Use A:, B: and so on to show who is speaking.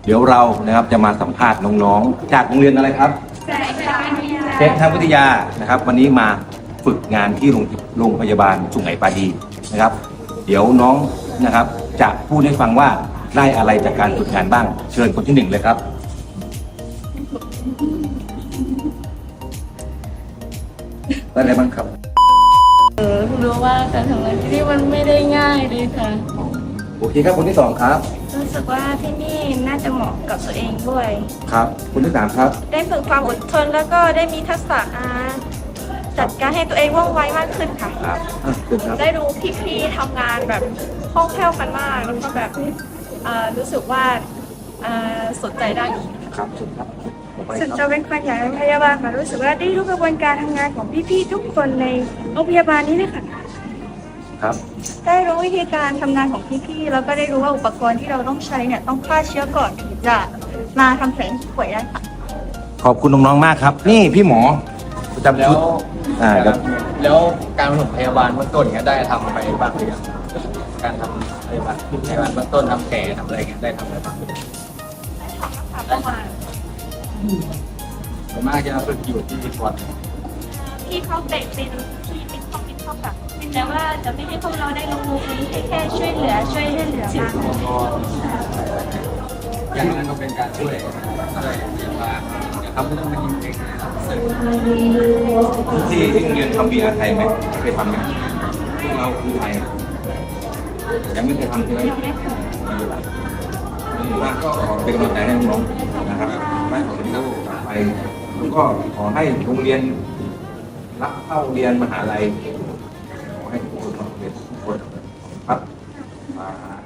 A: เดี๋ยวเรานะครับจะมาสัมภาษณ์น้องๆจากโรงเรียนอะไรครับเทควิทยานะครับ วันนี้มาฝึกงานที่โรงพยาบาลสุไหงปาดีนะครับ เดี๋ยวน้องนะครับจะพูดให้ฟังว่าได้อะไรจากการฝึกงานบ้าง เชิญคนที่หนึ่งเลยครับได้อะไรบ้างครับ
B: รู้ว่าการทำงานที่นี่มันไม่ได้ง่ายเลยค่ะ
A: โอเคครับคนที่สองครับ
B: รู้สึกว่าที่นี่น่าจะเหมาะกับตัวเองด้วย
A: ครับคนที่สามครับ
B: ได้ฝึกความอดทนแล้วก็ได้มีทักษะจัดการให้ตัวเองว่องไวมากขึ้นค่ะ
A: ครับเชิญครับ
B: ได้ดูพี่ๆทำงานแบบคล่องแคล่วกันมากแล้วก็แบบรู้สึกว่าสนใจได้อีก
A: ครับเชิญครับต่อไป
B: ส่วน
A: ค
B: จะ
A: รับ
B: เป็นคนอย่างโรงพยาบาลค่ะรู้สึกว่าได้รู้กระบวนการทำงานของพี่ๆทุกคนในโรงพยาบาลนี้เลยค่ะ
A: ครับ
B: ได้รู้วิธีการทำงานของพี่ๆแล้วก็ได้รู้ว่าอุปกรณ์ที่เราต้องใช้เนี่ยต้องฆ่าเชื้อก่อนถึงจะมาทำแผลให้ผู้ป่วยได้ค่ะ
A: ขอบคุณน้องๆมากครับ นี่พี่หมอประจำ
C: แล้
A: ชุ
C: ว
A: ดครับ
C: แล้วการปฐมพยาบาลเบื้องต้นเนี่ยได้ทำไปบ้างหรือยังการทำพยาบาลเบื้องต้นทำแผลทำอะไรเงี้ยได้ทำอะไรบ้าง
B: ประมาณ
C: ส่วนมากจะฝึกอยู่ที่ปอด
B: ที่เขาเตะเป็นที่เป็นข้อแบบแต่ว่าจะไม่ให้พวกเราได้ลงมือเองแค่ช่วยเหลือมา
C: อย่างนั้นก็เป็นการช่วยพยาบาลอย่าทำให้ต้องมายิงเองเสร็จ
A: ที่โรงเรียนทำบีอาไทยไหมเคยทำไหมพวกเราคือไทยยังไม่เคยทำใช่ไหมว่าก็ขอเป็นกำลังใจให้น้องๆนะครับไม่ขอเป็นลูกต่อไปแล้วก็ขอให้โรงเรียนรับเข้าเรียนมหาลัยขอให้ทุกคนเรียนทุกคนครับ